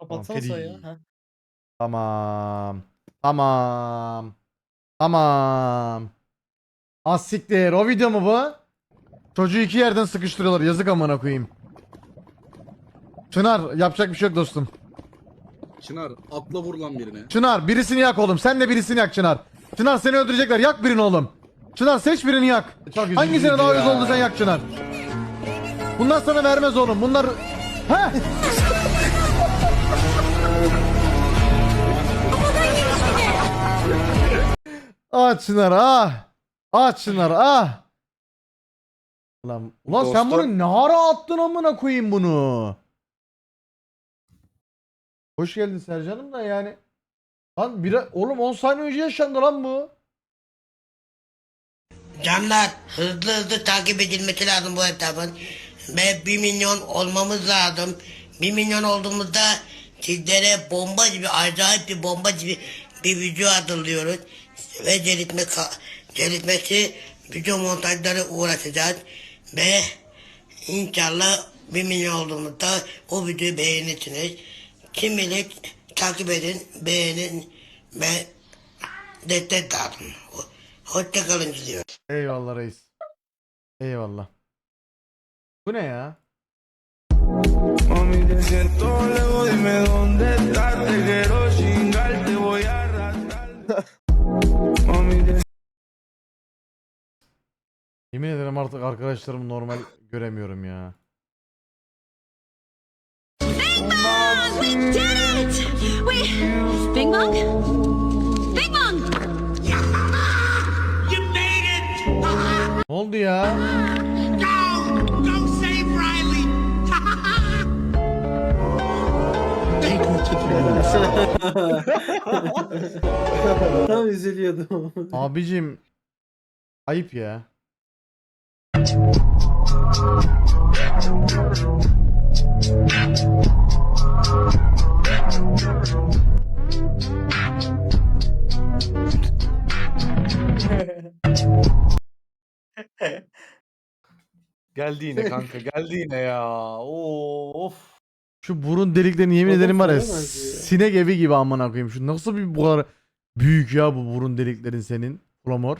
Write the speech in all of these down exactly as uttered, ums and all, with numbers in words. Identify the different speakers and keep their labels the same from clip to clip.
Speaker 1: Tamam
Speaker 2: Kapatsana sayı ya.
Speaker 1: Feri.
Speaker 2: Heh.
Speaker 1: Tamam. Tamam. Tamam. Az siktir. O video mu bu? Çocuğu iki yerden sıkıştırıyorlar. Yazık amına koyayım. Çınar yapacak bir şey yok dostum.
Speaker 3: Çınar atla vur lan birine.
Speaker 1: Çınar birisini yak oğlum. Sen de birisini yak Çınar. Çınar seni öldürecekler. Yak birini oğlum. Çınar seç birini yak.
Speaker 4: Çok
Speaker 1: Hangisine daha uyuz oldu sen yak Çınar. Bunlar sana vermez oğlum. Bunlar... He? Ah Çınar ah. Ah Çınar ah. Ulan, ulan sen bunu ne ara attın amına koyayım bunu. Hoş geldin Sercan'ım da yani. Lan bir oğlum on saniye önce yaşandı lan bu.
Speaker 5: Canlar hızlı hızlı takip edilmesi lazım bu hesabın. Ve bir milyon olmamız lazım. bir milyon olduğumuzda sizlere bomba gibi acayip bir bomba gibi bir video hazırlıyoruz. Ve celitme, celitmesi video montajları uğraşacağız. Ve inşallah bir milyon olduğumuzda o videoyu beğenirsiniz. Şimdilik takip edin, beğenin ve destek lazım. Hoşçakalın diliyorum.
Speaker 1: Eyvallah reis. Eyvallah. Bu ne ya?
Speaker 6: Mami, te siento lejos, dime dónde estás. Te quiero chingar, te voy a arrastrar. Mami, te
Speaker 1: Yemin ederim artık arkadaşlarımı normal göremiyorum ya.
Speaker 7: We did it! We... Bing Bong? Bing Bong!
Speaker 5: You made it!
Speaker 1: Ne oldu ya?
Speaker 5: Go! Go save Riley!
Speaker 2: Tam üzülüyordum.
Speaker 1: Abicim ayıp ya.
Speaker 4: Geldi yine kanka geldi yine ya. Oo, of.
Speaker 1: Şu burun deliklerini yemin
Speaker 2: Adam
Speaker 1: ederim var ya
Speaker 2: falan acıyor ya.
Speaker 1: sinek evi gibi amına koyayım. Şu nasıl bir bu kadar büyük ya bu burun deliklerin senin? Flamor.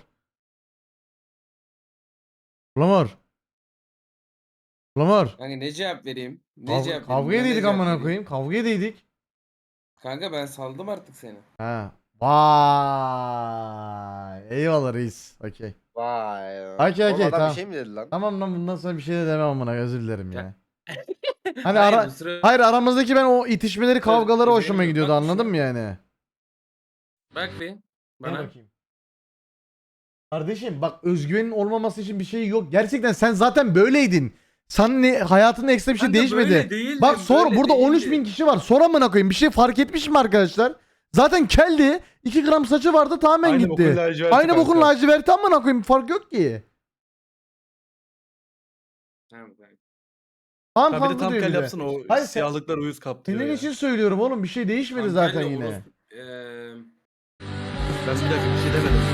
Speaker 1: Flamor. Flamor.
Speaker 8: Kanka ne cevap vereyim? Ne
Speaker 1: Kav
Speaker 8: cevap vereyim?
Speaker 1: kavga
Speaker 8: Buna ne
Speaker 1: edeydik
Speaker 8: cevap
Speaker 1: amına
Speaker 8: vereyim?
Speaker 1: koyayım. Kavga edeydik.
Speaker 8: Kanka ben saldım artık seni.
Speaker 1: Ha. Vay. Eyvallah reis. Okey.
Speaker 4: Vay.
Speaker 1: Okey
Speaker 4: Oğlum
Speaker 1: okey
Speaker 4: adam
Speaker 1: tamam.
Speaker 4: bir şey mi dedi lan?
Speaker 1: Tamam lan bundan sonra bir şey de demem amına özür dilerim ya. Hani
Speaker 8: Hayır,
Speaker 1: ara
Speaker 8: bu sıra-
Speaker 1: hayır aramızdaki ben o itişmeleri kavgaları
Speaker 8: Özür
Speaker 1: hoşuma
Speaker 8: dilerim.
Speaker 1: gidiyordu
Speaker 8: Bak
Speaker 1: anladın
Speaker 8: şu-
Speaker 1: mı yani?
Speaker 8: Bak bir.
Speaker 1: Gel
Speaker 8: Bana.
Speaker 1: bakayım. Kardeşim bak özgüvenin olmaması için bir şey yok. Gerçekten sen zaten böyleydin. Sen ne, hayatında ekstra bir şey
Speaker 8: Kanka
Speaker 1: değişmedi.
Speaker 8: böyle değildim,
Speaker 1: Bak sor
Speaker 8: böyle
Speaker 1: burada on üç
Speaker 8: değildim.
Speaker 1: bin kişi var. Sor amına koyayım. Bir şey fark etmiş mi arkadaşlar? Zaten keldi. iki gram saçı vardı tamamen
Speaker 4: Aynı bokun
Speaker 1: gitti.
Speaker 4: laciverti
Speaker 1: Aynı bokun
Speaker 4: kanka.
Speaker 1: laciverti amına koyayım. Fark yok ki.
Speaker 8: Tamam kanka.
Speaker 1: Tamam
Speaker 4: Ha bir de
Speaker 1: kanka
Speaker 4: tam
Speaker 1: diyor
Speaker 4: kel
Speaker 1: bir de.
Speaker 4: yapsın o
Speaker 1: Hayır, sen-
Speaker 4: siyahlıklar uyuz kaptırıyor
Speaker 1: Senin
Speaker 4: ya.
Speaker 1: için söylüyorum oğlum. Bir şey değişmedi
Speaker 8: Kanka,
Speaker 1: zaten
Speaker 8: kanka,
Speaker 1: yine.
Speaker 8: orospu- Eee,
Speaker 4: Ben bir dakika bir şey demedim.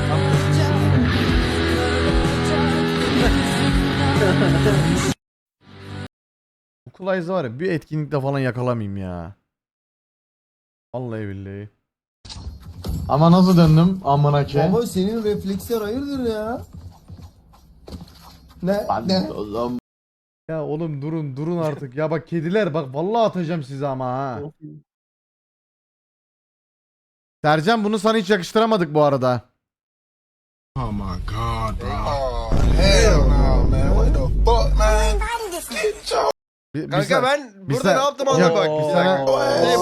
Speaker 1: Okul Eyes'ı var ya bir etkinlikte falan yakalamayayım ya. Vallahi billahi. Ama nasıl döndüm amına ki?
Speaker 9: Baba senin refleksler hayırdır ya? Ne? ne?
Speaker 1: Ya oğlum durun durun artık. Ya bak kediler bak vallahi atacağım size ama ha. Sercan bunu sana hiç yakıştıramadık bu arada.
Speaker 6: Oh my god, bro.
Speaker 9: Oh hell no man. What the fuck man?
Speaker 1: Bir, bir
Speaker 4: Kanka
Speaker 1: sa-
Speaker 4: ben
Speaker 1: bir
Speaker 4: burada
Speaker 1: sa-
Speaker 4: ne yaptım
Speaker 1: Yok,
Speaker 4: anla bak.
Speaker 1: bir sana-
Speaker 4: Ne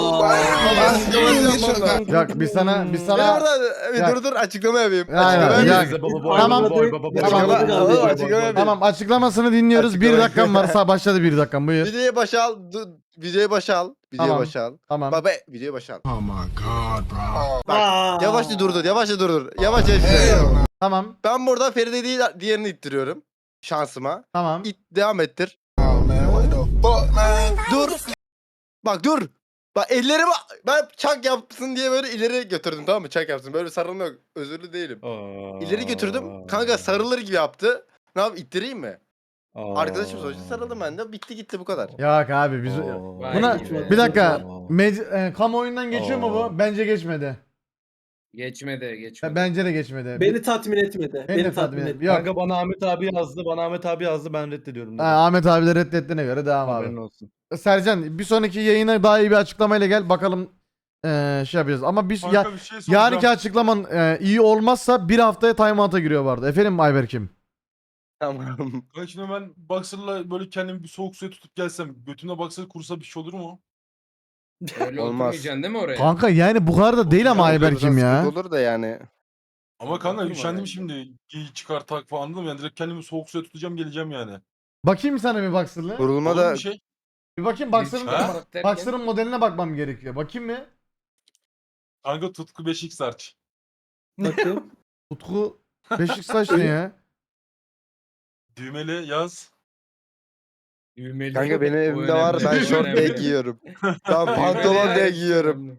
Speaker 4: başa
Speaker 1: Yok biz sana biz
Speaker 4: Ben
Speaker 1: sana
Speaker 4: burada bir
Speaker 1: Ya-
Speaker 4: dur dur açıklama yapayım.
Speaker 1: Aynen,
Speaker 4: Açıklama
Speaker 1: ya-
Speaker 4: yapayım.
Speaker 1: Baba boy, Tamam. baba boy,
Speaker 4: baba
Speaker 2: boy,
Speaker 4: Açıklama
Speaker 2: baba boy,
Speaker 4: Tamam,
Speaker 2: baba boy,
Speaker 4: açıklama yapayım.
Speaker 1: tamam açıklamasını dinliyoruz. Bir
Speaker 4: Açıklama-
Speaker 1: dakikam varsa başladı bir dakikam buyur.
Speaker 4: Videoyu başa al. dur, Videoyu başa al. Videoyu
Speaker 1: Tamam.
Speaker 4: başa al.
Speaker 1: Tamam.
Speaker 4: Baba videoyu başa al.
Speaker 6: Oh my god, bro.
Speaker 4: Bak yavaşça durdur yavaşça durdur. Yavaşça
Speaker 9: Hell
Speaker 4: işte.
Speaker 9: no.
Speaker 1: Tamam.
Speaker 4: Ben burada Feride değil diğerini ittiriyorum. Şansıma.
Speaker 1: Tamam.
Speaker 4: İt devam ettir.
Speaker 9: Oh man. What the fuck man?
Speaker 4: Dur. Bak dur. Bak ellerimi ben çak yapsın diye böyle ileri götürdüm tamam mı? Çak yapsın. Böyle sarılma yok. Özürlü değilim. İleri götürdüm. Kanka sarılır gibi yaptı. Ne yap ittireyim mi? Arkadaşım sonuçta sarıldım ben de. Bitti gitti bu kadar.
Speaker 1: Yok abi biz
Speaker 8: Vay
Speaker 1: buna
Speaker 8: be.
Speaker 1: bir dakika med- e, kamuoyundan geçiyor mu bu? Bence geçmedi.
Speaker 8: Geçmedi geçmedi.
Speaker 1: Bence de geçmedi.
Speaker 2: Beni tatmin etmedi.
Speaker 1: Beni de
Speaker 2: Beni
Speaker 1: tatmin
Speaker 2: tatmin
Speaker 1: et-
Speaker 2: etmedi.
Speaker 1: Yok.
Speaker 10: Kanka bana Ahmet abi yazdı. Bana Ahmet abi yazdı. Ben reddediyorum. dedi.
Speaker 1: Ha, Ahmet abi de reddettiğine göre devam
Speaker 10: Haberin
Speaker 1: abi.
Speaker 10: olsun.
Speaker 1: Sercan bir sonraki yayına daha iyi bir açıklamayla gel bakalım eee, şey yapacağız. Ama biz ya,
Speaker 9: bir şey soracağım.
Speaker 1: yarınki açıklaman eee, iyi olmazsa bir haftaya timeout'a giriyor vardı. Efendim Ayberk'im.
Speaker 4: Tamam.
Speaker 9: Kanka şimdi ben boxer'la böyle kendimi bir soğuk suya tutup gelsem götümde boxer kursa bir şey olur mu?
Speaker 8: Öyle
Speaker 4: Olmaz.
Speaker 8: oturmayacaksın değil mi oraya?
Speaker 1: Kanka yani bu kadar da değil ama Ayberk'im ya.
Speaker 4: Sıkıntı olur da yani.
Speaker 9: Ama kanka
Speaker 8: Oturma
Speaker 9: üşendim
Speaker 8: bence.
Speaker 9: şimdi. Giy çıkar tak falan anladın mı? Yani direkt kendimi soğuk suya tutacağım geleceğim yani.
Speaker 1: Bakayım sana bir Boxer'lı.
Speaker 4: Kurulma
Speaker 9: Olur
Speaker 4: da
Speaker 9: bir şey.
Speaker 1: Bir bakayım Boxer'ın
Speaker 9: Ha?
Speaker 1: Boxer'ın modeline bakmam gerekiyor. Bakayım mı?
Speaker 9: Kanka Tutku beş x arç.
Speaker 2: Bakayım.
Speaker 1: Utku beşik saç ne ya?
Speaker 9: Düğmeli yaz.
Speaker 8: Düğmeli.
Speaker 4: kanka benim
Speaker 8: O
Speaker 4: evimde var.
Speaker 8: önemli.
Speaker 4: Ben
Speaker 8: O
Speaker 4: şort diye
Speaker 8: önemli.
Speaker 4: giyiyorum. Tamam
Speaker 8: Düğmeli
Speaker 4: pantolon diye
Speaker 8: yani.
Speaker 4: giyiyorum.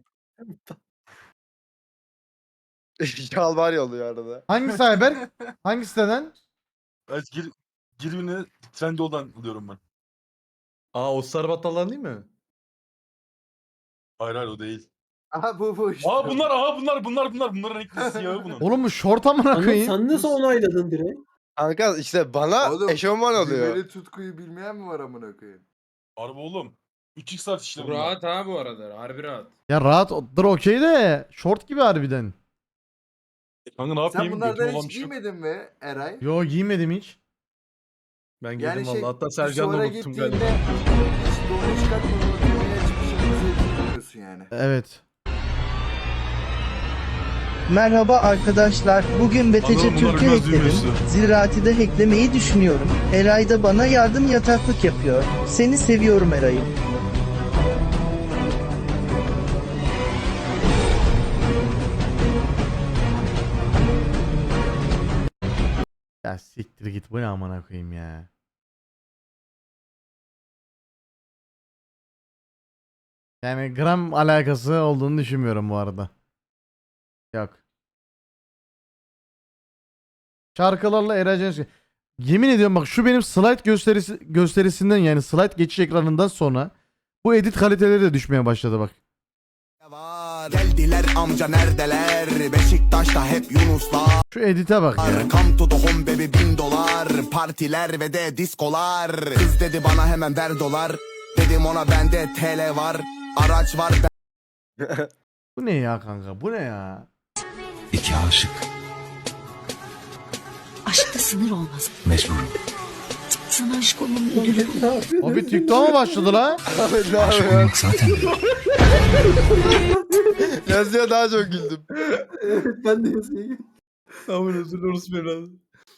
Speaker 4: Şalvar yolluyor arada.
Speaker 1: Hangisi Ayberk? Hangi siteden?
Speaker 9: Evet, gir, Girvini Trendyol'dan alıyorum ben.
Speaker 10: Aa o sarı battallar değil mi?
Speaker 9: Hayır hayır o değil.
Speaker 2: Aha bu bu işte.
Speaker 9: Aa bunlar aha bunlar bunlar bunlar bunların renkli siyahı bunun.
Speaker 1: Oğlum bu şort amına
Speaker 2: Anıl,
Speaker 1: koyayım.
Speaker 2: sen nasıl onayladın direkt?
Speaker 4: Kanka işte bana
Speaker 11: Oğlum,
Speaker 4: eşofman oluyor.
Speaker 11: Düğmeli tutkuyu bilmeyen mi var amına koyayım?
Speaker 9: Harbi oğlum. üç x arç işte
Speaker 8: Bu
Speaker 9: bunlar.
Speaker 8: rahat ha bu arada. Harbi rahat.
Speaker 1: Ya rahatdır okey de şort gibi harbiden.
Speaker 9: Kanka ne
Speaker 11: Sen
Speaker 9: yapayım?
Speaker 11: bunlardan
Speaker 9: Götüm olan
Speaker 11: hiç
Speaker 9: bir şey yok.
Speaker 11: giymedin mi Eray?
Speaker 1: Yo giymedim hiç.
Speaker 10: Ben giydim
Speaker 11: Yani şey,
Speaker 10: valla. Hatta Sercan da
Speaker 11: sonra
Speaker 10: unuttum
Speaker 11: gittiğinde
Speaker 10: galiba.
Speaker 11: hiç doğru çıkartmadan düğmeye açıp bir şey bilmiyorsun yani.
Speaker 1: Evet.
Speaker 12: Merhaba arkadaşlar. Bugün B T C
Speaker 9: Anladım, bunlar
Speaker 12: Türk'ü
Speaker 9: biraz
Speaker 12: hackledim.
Speaker 9: düğmesi.
Speaker 12: Ziraati de hacklemeyi düşünüyorum. Eray da bana yardım yataklık yapıyor. Seni seviyorum Eray'ım.
Speaker 1: Ya siktir git bu ne amına koyayım ya. Yani gram alakası olduğunu düşünmüyorum bu arada. Yok. Şarkılarla Eray Cengiz. Yemin ediyorum bak şu benim slide gösterisi gösterisinden yani slide geçiş ekranından sonra bu edit kaliteleri de düşmeye başladı bak.
Speaker 6: Geldiler amca neredeler? Beşiktaş'ta hep Yunuslar.
Speaker 1: Şu edite bak ya.
Speaker 6: Come to the home baby bin dolar. Partiler ve de diskolar. Kız dedi bana hemen ver dolar. Dedim ona bende T L var. Araç var.
Speaker 1: Bu ne ya kanka? Bu ne ya?
Speaker 6: İki aşık.
Speaker 7: Aşkta sınır olmaz.
Speaker 6: Mecburum.
Speaker 7: Sana aşık olmanın ödülü bu.
Speaker 2: Ne yapıyorsun?
Speaker 1: O bir TikTok'a mı başladı la?
Speaker 4: Ahmet ne yapıyor?
Speaker 6: Zaten.
Speaker 4: Yazıya daha çok güldüm.
Speaker 2: Evet ben de yazayım.
Speaker 10: Aman özür dilerim evladım.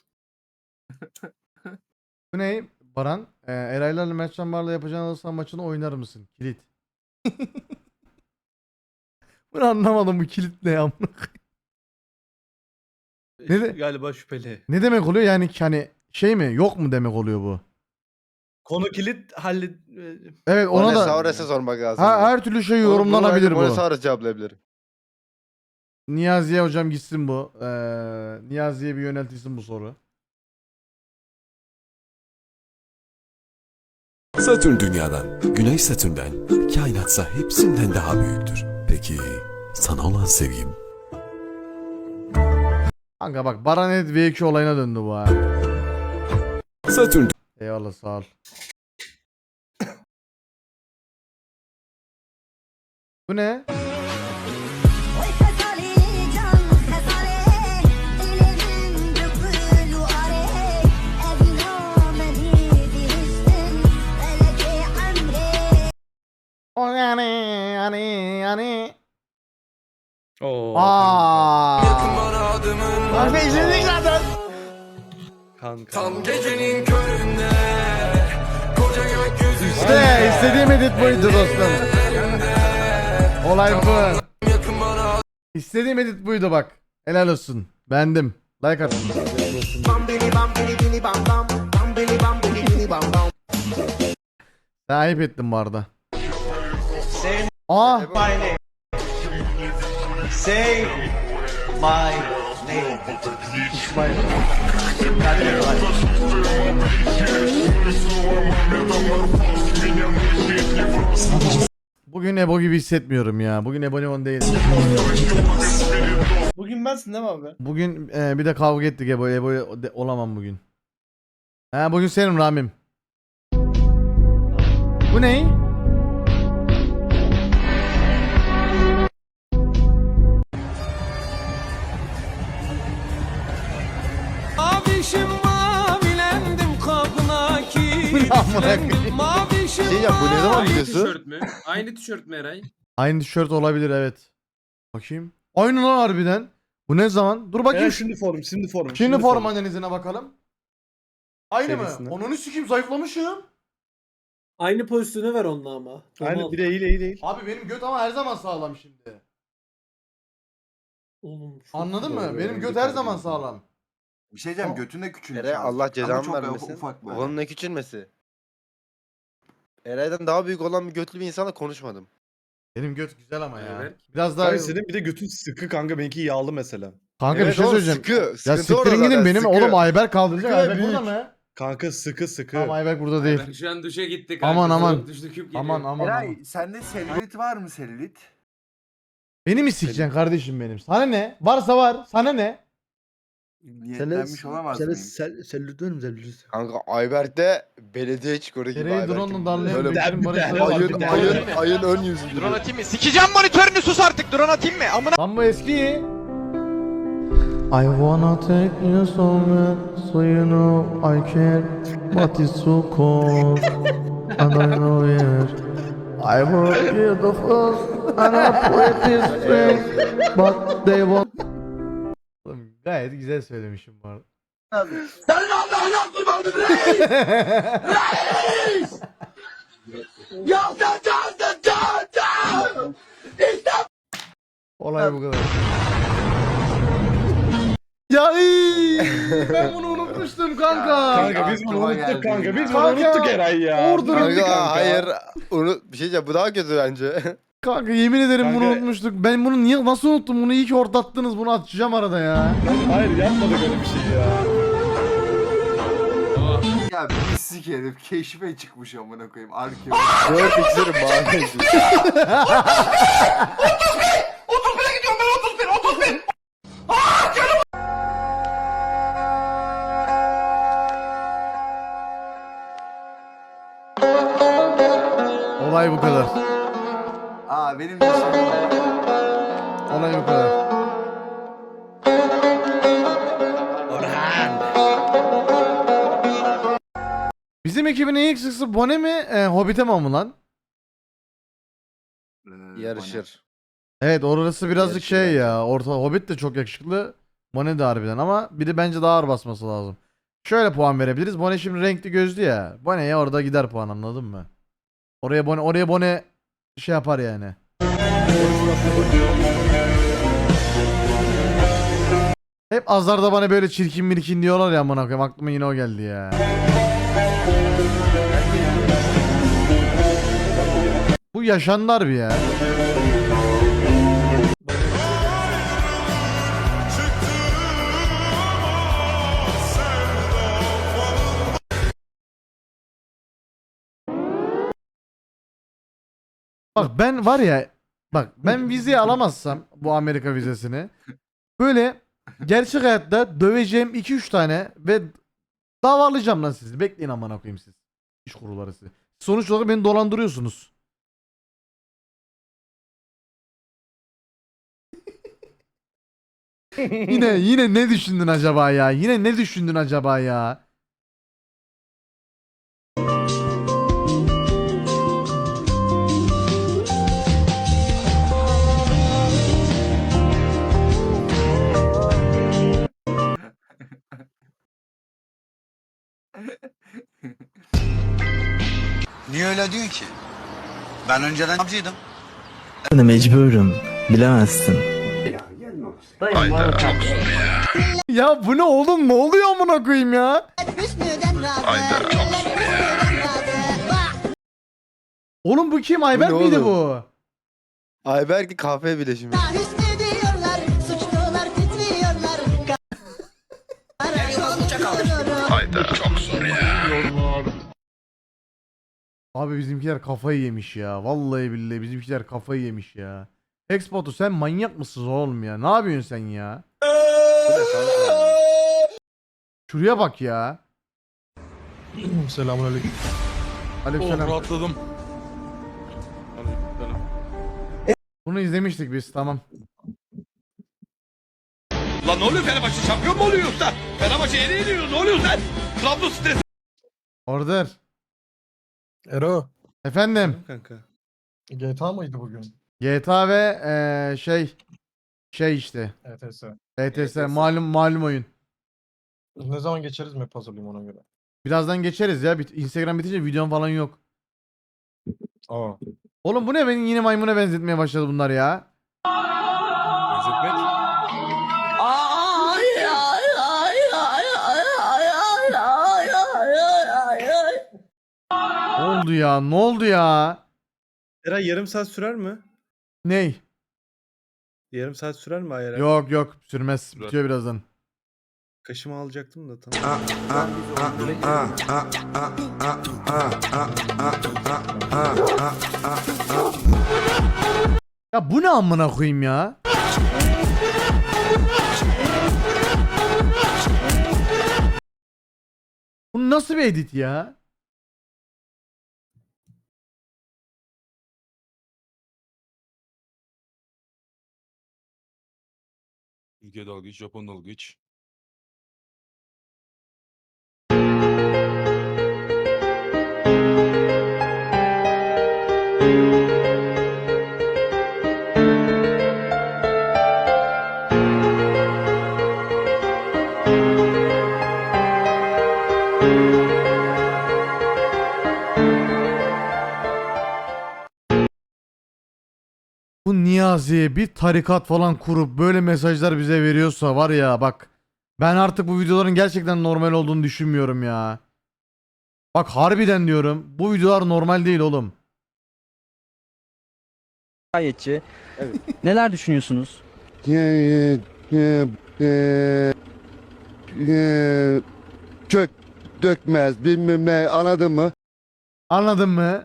Speaker 1: Bu ne? Baran, e, Eraylarla Mertcan Bar'la yapacağın alırsan maçını oynar mısın? Kilit. Bunu anlamadım bu kilit ne amına koyayım. Ne de-
Speaker 10: Galiba şüpheli.
Speaker 1: Ne demek oluyor yani ki hani şey mi yok mu demek oluyor bu?
Speaker 10: Konu kilit hallet...
Speaker 1: Evet ona
Speaker 4: Ona
Speaker 1: da
Speaker 4: Saures'e sormak lazım.
Speaker 1: ha, her türlü şey
Speaker 4: Onu- bunu
Speaker 1: yorumlanabilir
Speaker 4: belki
Speaker 1: bu.
Speaker 4: Saures cevaplayabilir.
Speaker 1: Niyazi'ye hocam gitsin bu. Ee, Niyazi'ye bir yöneltilsin bu soru.
Speaker 6: Satürn dünyadan, Güneş Satürn'den, kainatsa hepsinden daha büyüktür. Peki sana olan sevgim?
Speaker 1: Kanka bak Baran Edit V iki olayına döndü bu ha.
Speaker 6: Satürn
Speaker 1: Eyvallah sağ ol. Bu ne? O yani yani yani.
Speaker 10: Oo.
Speaker 1: Aa.
Speaker 4: Kanka izledik zaten.
Speaker 10: Kanka.
Speaker 6: gecenin köründe koca gökyüzü
Speaker 1: İşte istediğim edit buydu dostum. Olay bu. İstediğim edit buydu bak. Helal olsun. Beğendim. Like atın. Sen ayıp ettin bu arada. Aa.
Speaker 12: Say my
Speaker 1: Bugün Ebo gibi hissetmiyorum ya. Bugün Ebo Leon değil.
Speaker 10: Bugün bensin değil mi abi?
Speaker 1: Bugün e, bir de kavga ettik Ebo. Ebo de- olamam bugün. Ha bugün senin Ramim. Bu ne?
Speaker 11: Mavişim mavilendim kapına kilitlendim. Mavişim
Speaker 4: Şey ya bu ne zaman
Speaker 8: Aynı
Speaker 4: videosu?
Speaker 8: tişört mü? Aynı tişört mü Eray?
Speaker 1: Aynı tişört olabilir evet. Bakayım. Aynı lan harbiden. Bu ne zaman? Dur bakayım.
Speaker 10: Evet, şimdi form, şimdi form.
Speaker 1: Şimdi form analizine bakalım. Aynı
Speaker 10: Serisine.
Speaker 1: mı? Onunu sikeyim zayıflamışım.
Speaker 2: Aynı pozisyonu ver onunla ama.
Speaker 10: Aynı
Speaker 2: Normal.
Speaker 10: bir değil, iyi değil.
Speaker 1: Abi benim göt ama her zaman sağlam şimdi.
Speaker 2: Oğlum, çok
Speaker 1: Anladın
Speaker 2: güzel
Speaker 1: mı?
Speaker 2: ya.
Speaker 1: Benim göt her zaman sağlam.
Speaker 11: Bir şey diyeceğim götüne küçülmüş.
Speaker 4: Eray
Speaker 11: az.
Speaker 4: Allah
Speaker 11: Ama
Speaker 4: cezanı
Speaker 11: çok
Speaker 4: vermesin.
Speaker 11: ufak böyle.
Speaker 4: Onun ne küçülmesi? Eray'dan daha büyük olan bir götlü bir insanla konuşmadım.
Speaker 1: Benim göt güzel ama ya.
Speaker 8: Evet.
Speaker 1: Biraz daha...
Speaker 10: Kanka senin bir de götün sıkı kanka, benimki yağlı mesela.
Speaker 1: Kanka bir
Speaker 4: Evet
Speaker 1: şey
Speaker 4: oğlum,
Speaker 1: söyleyeceğim.
Speaker 4: Sıkı.
Speaker 1: Ya
Speaker 4: Sıkıntı orada
Speaker 1: siktirin gidin
Speaker 4: zaten,
Speaker 1: benim.
Speaker 4: sıkı.
Speaker 1: Oğlum Ayberk kaldıracak.
Speaker 10: Sıkı ve
Speaker 1: Ayberk burada
Speaker 10: büyük.
Speaker 1: mı?
Speaker 10: Kanka sıkı sıkı.
Speaker 1: Tamam Ayberk burada değil.
Speaker 8: Ben şu an duşa gittik.
Speaker 1: Aman, aman.
Speaker 8: Soğuk duşlu küp geliyor.
Speaker 1: Aman aman aman.
Speaker 11: Eray sende selülit var mı selülit?
Speaker 1: Beni mi sikeceksin kardeşim benim? Sana ne? Varsa var. Sana ne?
Speaker 11: Niyetlenmiş olamaz mıyım?
Speaker 10: Selülit mi selülit?
Speaker 4: Kanka Ayberk de belediye çikoru gibi
Speaker 1: Nereye
Speaker 4: Ayberk'in.
Speaker 1: drone'la darlayan
Speaker 4: Böyle
Speaker 1: büyüklerin barışları
Speaker 10: tane
Speaker 1: var.
Speaker 10: var,
Speaker 4: ayın,
Speaker 10: bir tane
Speaker 4: ayın,
Speaker 10: var.
Speaker 4: ayın ön yüzü gibi.
Speaker 6: atayım mı? Sikeceğim monitörünü, sus artık. Drone atayım mı? Amına
Speaker 1: Lan bu eski. I wanna take you somewhere so you know I care, but it's so cold and I know it. I will be the first and I put this straight, but they won't. Oğlum, gayet güzel söylemişim bu arada.
Speaker 11: Senin Allah'ın kurbanı reis! Reis! Ya sen çaldın çaldın! İşte
Speaker 1: Olay bu kadar. Ya iyy, ben bunu unutmuştum kanka.
Speaker 10: Kanka biz bunu
Speaker 11: Aklıma
Speaker 10: unuttuk
Speaker 11: geldi
Speaker 10: kanka.
Speaker 11: ya.
Speaker 10: Biz bunu
Speaker 1: Kanka,
Speaker 10: unuttuk Eray ya.
Speaker 1: orada
Speaker 10: Bitti
Speaker 1: unuttuk
Speaker 4: Kanka hayır. Onu bir şey diyeceğim, bu daha kötü bence.
Speaker 1: Kanka yemin ederim bunu
Speaker 10: Kanka-
Speaker 1: unutmuştuk. Ben bunu niye nasıl unuttum? Bunu iyi ki ortattınız. Bunu atacağım arada ya.
Speaker 10: Hayır yapmadık öyle bir şey ya.
Speaker 11: ya pislik herif keşfe çıkmış amına koyayım. Arkeo.
Speaker 4: Dört iksirim mavi.
Speaker 1: Olay bu kadar.
Speaker 11: Aa benim de şey var.
Speaker 1: Olay bu kadar. Bizim ekibin en eksisi Bone mi? E, Hobbit'e mi ama lan?
Speaker 11: Ee,
Speaker 4: Yarışır.
Speaker 1: Evet orası birazcık
Speaker 4: Yarışır
Speaker 1: şey
Speaker 4: bence.
Speaker 1: ya. Orta Hobbit de çok yakışıklı. Bone de harbiden ama biri bence daha ağır basması lazım. Şöyle puan verebiliriz. Bone şimdi renkli gözlü ya. Bone'ye orada gider puan, anladın mı? Oraya Bone oraya Bone şey yapar yani. Hep azlarda bana böyle çirkin mirkin diyorlar ya, amına koyayım, aklıma yine o geldi ya. Bu yaşanlar bir ya. Bak ben var ya, bak ben vizeyi alamazsam bu Amerika vizesini, böyle gerçek hayatta döveceğim iki üç tane ve davalayacağım lan sizi. Bekleyin amına koyayım siz. İş kuruları sizi. Sonuç olarak beni dolandırıyorsunuz. yine yine ne düşündün acaba ya? Yine ne düşündün acaba ya?
Speaker 6: Niye öyle diyorsun ki? Ben önceden avcıydım.
Speaker 12: Mecburum. Bilemezsin.
Speaker 1: Ya bu ne oğlum, ne oluyor amına koyayım ya? Oğlum bu kim? Ayberk
Speaker 4: ne
Speaker 1: miydi
Speaker 4: oğlum?
Speaker 1: bu?
Speaker 4: Ayberk'in kahve bileşimi.
Speaker 1: Abi bizimkiler kafayı yemiş ya. Vallahi billahi bizimkiler kafayı yemiş ya. Expotu sen manyak mısın oğlum ya? Ne yapıyorsun sen ya? Şuraya bak ya.
Speaker 9: Selamünaleyküm.
Speaker 1: Aleykümselam.
Speaker 9: rahatladım.
Speaker 1: Bunu izlemiştik biz, tamam.
Speaker 3: Lan ne oluyor Fenerbahçe şampiyon mu oluyor usta? Fenerbahçe yeni yeniyor ne oluyor sen? Trabzon stresi.
Speaker 1: Order.
Speaker 9: Ero.
Speaker 1: Efendim.
Speaker 10: Kanka.
Speaker 9: G T A mıydı bugün?
Speaker 1: G T A ve eee, şey şey işte.
Speaker 9: E T S.
Speaker 1: E T S malum malum oyun.
Speaker 9: Ne zaman geçeriz map hazırlayayım ona göre.
Speaker 1: Birazdan geçeriz ya. Bit- Instagram bitince videom falan yok.
Speaker 9: Aa.
Speaker 1: Oğlum bu ne, beni yine maymuna benzetmeye başladı bunlar ya.
Speaker 9: Benzetmek.
Speaker 1: Ne oldu ya? Ne oldu ya?
Speaker 10: Eray yarım saat sürer mi?
Speaker 1: Ney?
Speaker 10: Yarım saat sürer mi Eray?
Speaker 1: Yok yok sürmez. Bitiyor birazdan.
Speaker 10: Kaşımı alacaktım da tamam.
Speaker 1: Ya bu ne amına koyayım ya? Bu nasıl bir edit ya?
Speaker 9: Ülke dalgıç, Japon dalgıç.
Speaker 1: Bu Niyazi'ye bir tarikat falan kurup böyle mesajlar bize veriyorsa var ya bak, ben artık bu videoların gerçekten normal olduğunu düşünmüyorum ya. Bak harbiden diyorum, bu videolar normal değil oğlum.
Speaker 12: Gayetçi. Neler düşünüyorsunuz?
Speaker 6: Kök dökmez bilmem ne anladın mı?
Speaker 1: Anladın mı?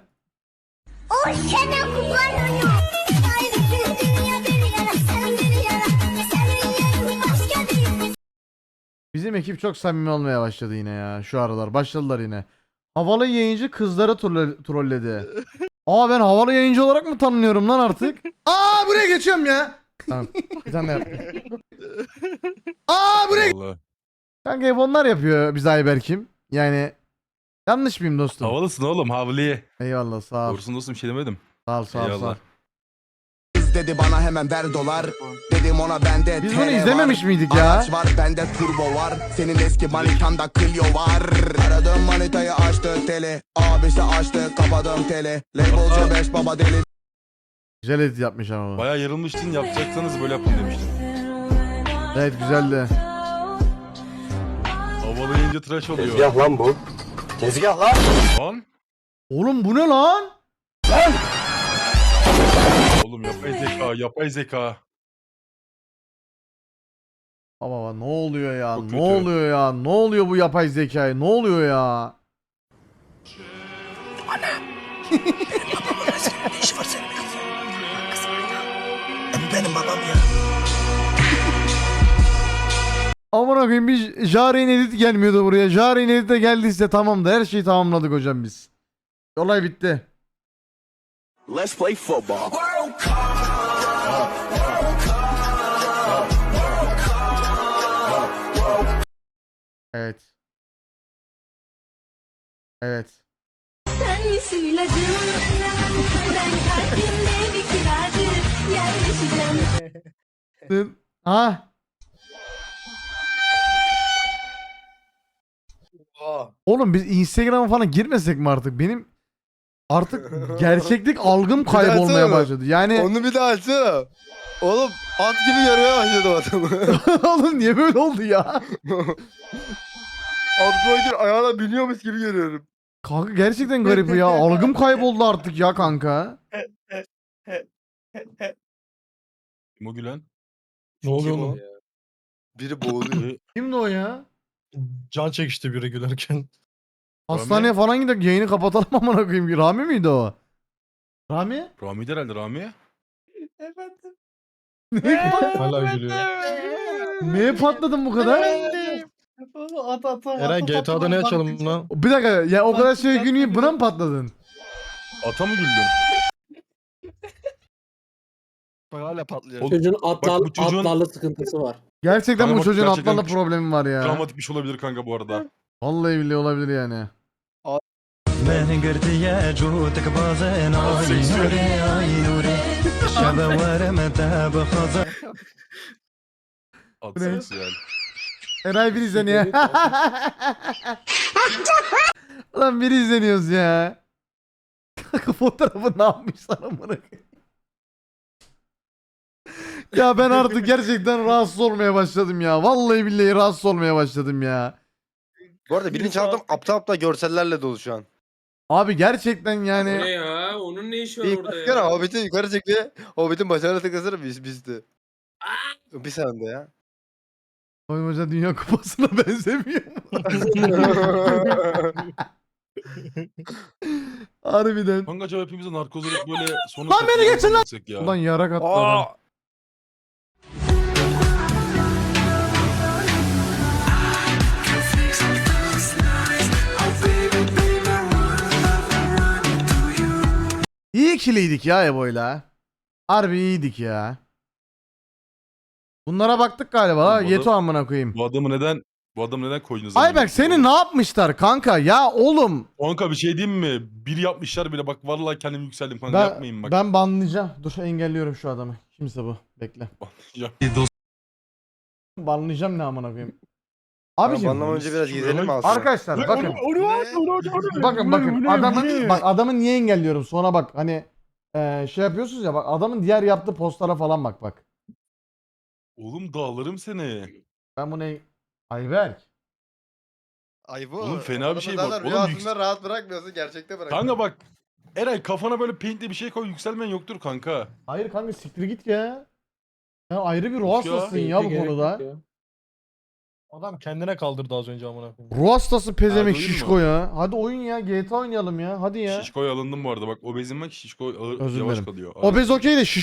Speaker 1: Bizim ekip çok samimi olmaya başladı yine ya şu aralar. Başladılar yine. Havalı yayıncı kızları trolle- trolledi. Aa ben havalı yayıncı olarak mı tanınıyorum lan artık? Aa buraya geçiyorum ya. Tamam. Bir tane daha yapayım. Aa buraya
Speaker 9: Vallahi.
Speaker 1: Kanka hep onlar yapıyor biz Ayberk'im. Yani yanlış mıyım dostum?
Speaker 9: Havalısın oğlum, havliye.
Speaker 1: Eyvallah sağ ol.
Speaker 9: Doğrusun dostum, bir şey demedim.
Speaker 1: Sağ ol sağ ol sağ ol.
Speaker 9: Eyvallah.
Speaker 6: Kız dedi bana hemen ver dolar. Dedim ona bende
Speaker 1: Biz
Speaker 6: T L
Speaker 1: bunu izlememiş
Speaker 6: var.
Speaker 1: miydik ya?
Speaker 6: Araç var bende turbo var. Senin eski manitanda Clio var. Aradığım manitayı açtı tele. Abisi açtı kapadım tele. Labelci beş baba deli.
Speaker 1: Güzel edit yapmış ama bu.
Speaker 9: Bayağı yarılmıştın, yapacaksanız böyle yapın demiştin.
Speaker 1: Evet güzeldi.
Speaker 9: Havalı yayınca tıraş oluyor.
Speaker 6: lan bu. Tezgah lan.
Speaker 9: Lan.
Speaker 1: Oğlum bu ne lan?
Speaker 9: Oğlum yapay zeka, yapay zeka.
Speaker 1: Baba baba ne oluyor ya?
Speaker 9: Çok
Speaker 1: Ne
Speaker 9: kötü.
Speaker 1: oluyor ya? Ne oluyor bu yapay zekaya? Ne oluyor ya?
Speaker 6: Ne işi var senin? Benim babam ya.
Speaker 1: Aman koyayım bir Jaren edit gelmiyordu buraya. Jaren edit de geldiyse tamam da her şeyi tamamladık hocam biz. Olay bitti.
Speaker 6: Let's play football.
Speaker 1: Evet. Evet.
Speaker 7: Sen misin ilacım? Ben kalbimde bir kiracı yerleşeceğim.
Speaker 1: Ha?
Speaker 4: Aa.
Speaker 1: Oğlum biz Instagram'a falan girmesek mi artık? Benim artık gerçeklik algım kaybolmaya
Speaker 4: Açsana.
Speaker 1: başladı. Yani
Speaker 4: Onu bir daha açsana. Oğlum at gibi görmeye başladım adamı.
Speaker 1: oğlum niye böyle oldu ya?
Speaker 4: Abdülhakim ayağına biniyormuş gibi görüyorum.
Speaker 1: Kanka gerçekten garip ya. Algım kayboldu artık ya kanka.
Speaker 9: Kim o gülen? Ne oluyor oğlum?
Speaker 4: Biri boğuluyor.
Speaker 1: Kimdi o ya?
Speaker 9: Can çekişti biri gülerken.
Speaker 1: Hastaneye falan gidelim yayını kapatalım amına koyayım. Rami miydi o? Rami?
Speaker 9: Rami herhalde Rami.
Speaker 2: Efendim.
Speaker 9: Hala gülüyor.
Speaker 1: Neye patladın bu kadar?
Speaker 2: At at at.
Speaker 9: Eren G T A'da ne açalım lan?
Speaker 1: Bir dakika ya o kadar şey günü buna mı patladın?
Speaker 9: Ata mı güldün?
Speaker 4: Bak hala patlıyor.
Speaker 9: Oğlum,
Speaker 2: Çocuğun atlar,
Speaker 9: bu çocuğun-
Speaker 2: atlarla sıkıntısı var.
Speaker 1: Gerçekten
Speaker 9: Kanka
Speaker 1: bu
Speaker 9: bak,
Speaker 1: çocuğun
Speaker 9: gerçekten
Speaker 1: atlarla
Speaker 9: şu-
Speaker 1: problemi var ya.
Speaker 9: Dramatik bir şey olabilir kanka bu arada.
Speaker 1: Vallahi billahi olabilir yani.
Speaker 9: At
Speaker 1: Bu ne?
Speaker 9: seksüel.
Speaker 1: Eray bir izleniyor. Lan bir izleniyoruz ya. Kanka fotoğrafı ne yapmışlar amına koyayım. Ya ben artık gerçekten rahatsız olmaya başladım ya. Vallahi billahi rahatsız olmaya başladım ya.
Speaker 4: Bu arada birinci haftam aptal aptal görsellerle dolu şu an.
Speaker 1: Abi gerçekten
Speaker 8: Ne
Speaker 1: yani
Speaker 8: ya? Onun ne işi var
Speaker 4: Bir
Speaker 8: orada
Speaker 4: baksana
Speaker 8: ya?
Speaker 4: Hobbit'i yukarı çekti. Hobbit'in başarılı tıklasana biz bizdi. Bir saniye ya.
Speaker 1: Oymaca Dünya Kupası'na benzemiyor mu? Harbiden.
Speaker 9: Kanka acaba hepimize narkoz olup böyle sonu...
Speaker 1: Lan beni geçin lan!
Speaker 9: Ya.
Speaker 1: Ulan yarak attı
Speaker 4: Aa!
Speaker 1: adam. İyi ikiliydik ya Ebo'yla. Harbi iyiydik ya. Bunlara baktık galiba ha.
Speaker 9: Oğlum bu
Speaker 1: Yeto
Speaker 9: adam-
Speaker 1: amına koyayım.
Speaker 9: Bu adamı neden... Bu adamı neden koydunuz?
Speaker 1: Ayberk seni ne yapmışlar kanka ya oğlum.
Speaker 9: Kanka bir şey diyeyim mi? Bir yapmışlar bile bak vallahi kendim yükseldim kanka
Speaker 1: Ben,
Speaker 9: yapmayın bak.
Speaker 1: ben banlayacağım. Dur engelliyorum şu adamı. Kimse bu. Bekle.
Speaker 9: Ya.
Speaker 1: Banlayacağım ne amına koyayım.
Speaker 4: Abicim.
Speaker 1: Abicim
Speaker 4: Bandan önce biraz gezelim mi aslında?
Speaker 1: arkadaşlar bakın. Bakın bakın adamın bak adamı niye engelliyorum sonra bak hani eee, şey yapıyorsunuz ya bak adamın diğer yaptığı postlara falan bak bak.
Speaker 9: Oğlum dağlarım seni.
Speaker 1: Ben bunu Ayberk.
Speaker 4: Ay bu.
Speaker 9: Oğlum fena bir şey bu.
Speaker 4: Adamı zaten
Speaker 9: Oğlum
Speaker 4: rüyasında
Speaker 9: yüks-
Speaker 4: rahat bırakmıyorsun gerçekte bırakıyorsun.
Speaker 9: Kanka bak. Eray kafana böyle paint'li bir şey koy yükselmen yoktur kanka.
Speaker 1: Hayır kanka siktir git ya. Sen ayrı bir ruh
Speaker 9: Yok ya.
Speaker 1: hastasısın ya bu
Speaker 2: Gerek
Speaker 1: konuda.
Speaker 2: yok ya.
Speaker 9: Adam kendine kaldırdı az önce amına koyayım.
Speaker 1: Ruh hastası pezemek
Speaker 9: Hadi oyun
Speaker 1: şişko
Speaker 9: mu?
Speaker 1: ya. Hadi oyun ya G T A oynayalım ya. Hadi ya.
Speaker 9: Şişko'ya alındım bu arada bak obezim bak şişko ağır
Speaker 1: Özür
Speaker 9: yavaş
Speaker 1: dilerim.
Speaker 9: kalıyor.
Speaker 1: Obez okey de şiş